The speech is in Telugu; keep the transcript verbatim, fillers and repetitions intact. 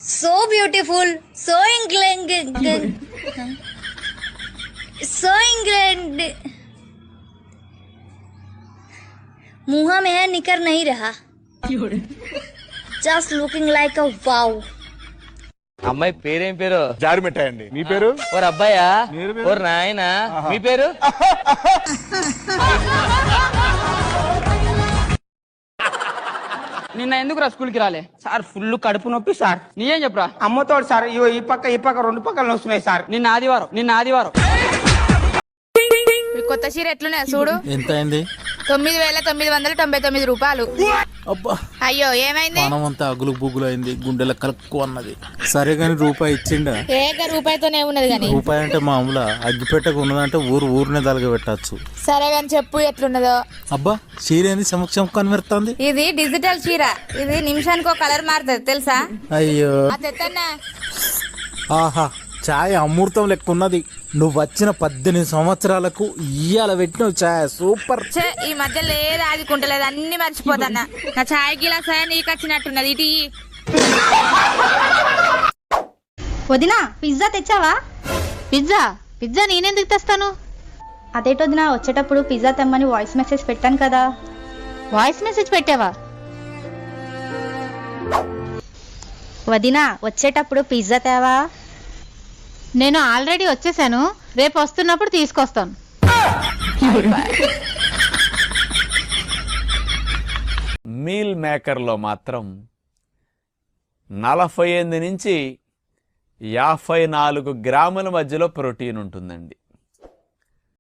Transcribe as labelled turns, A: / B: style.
A: So beautiful, so England, so England. मुँह में है निकर नहीं रहा. Just looking like a wow.
B: అమ్మాయి పేరేం పేరు?
C: జారి మిఠాయండి. మీ పేరు?
B: ఓర్ అబ్బాయా? ఓర్ నాయనా? మీ పేరు?
D: నిన్న ఎందుకురా స్కూల్కి రాలే?
E: సార్ ఫుల్ కడుపు నొప్పి సార్.
D: నీయేం చెప్పురా?
E: అమ్మతోడు సార్. ఇగో ఈ పక్క ఈ పక్క రెండు పక్కలు వస్తున్నాయి సార్.
D: నిన్న ఆదివారం నిన్న ఆదివారం
F: కొత్త చీర ఎట్లున్నాయి చూడు.
G: ఎంత అయింది?
F: తొమ్మిది వేల తొమ్మిది వందల తొంభై తొమ్మిది రూపాయలు.
G: అబ్బా,
F: అయ్యో ఏమైంది?
G: మనమంతా అగులు బుగులు అయింది, గుండెల కలుక్కు అన్నది. సరే గాని రూపాయి ఇచ్చిండా?
F: ఏక రూపాయితోనే ఉన్నది గాని.
G: రూపాయి అంటే మామూలు అగ్గిపెట్టకు ఉన్నదంటే ఊరు ఊరినే తలగ పెట్టచ్చు.
F: సరే గాని చెప్పు ఎట్లున్నదో.
G: అబ్బా, చీర ఏంది సమక్షం కనిపెడుతుంది?
F: ఇది డిజిటల్ చీర. ఇది నిమిషానికి ఒక కలర్ మారుతుంది తెలుసా?
G: అయ్యో,
F: తెత్తన్నా.
G: ఆహా, ఛాయ్ అమృతం లెక్క ఉన్నది. నువ్వు వచ్చిన పద్దెనిమిది సంవత్సరాలకు ఇయ్యాల పెట్టినవు ఛాయ్ సూపర్.
F: ఛే, ఈ మధ్యలో ఏ రాజుకుంటలేదు, అన్ని మర్చిపోతాన్నా. నా ఛాయ్ గిలాసా నీకు వచ్చినట్టున్నది. ఇటీ
H: వదినా, పిజ్జా తెచ్చావా?
I: పిజ్జా పిజ్జా నేనెందుకు తెస్తాను?
H: అదేటో వదినా, వచ్చేటప్పుడు పిజ్జా తెమ్మని వాయిస్ మెసేజ్ పెట్టాను కదా.
I: వాయిస్ మెసేజ్ పెట్టావా?
H: వదినా, వచ్చేటప్పుడు పిజ్జా తేవా?
I: నేను ఆల్రెడీ వచ్చేసాను, రేపు వస్తున్నప్పుడు తీసుకొస్తాను.
C: మీల్ మేకర్లో మాత్రం నలభై ఎనిమిది నుంచి యాభై నాలుగు గ్రాముల మధ్యలో ప్రోటీన్ ఉంటుందండి.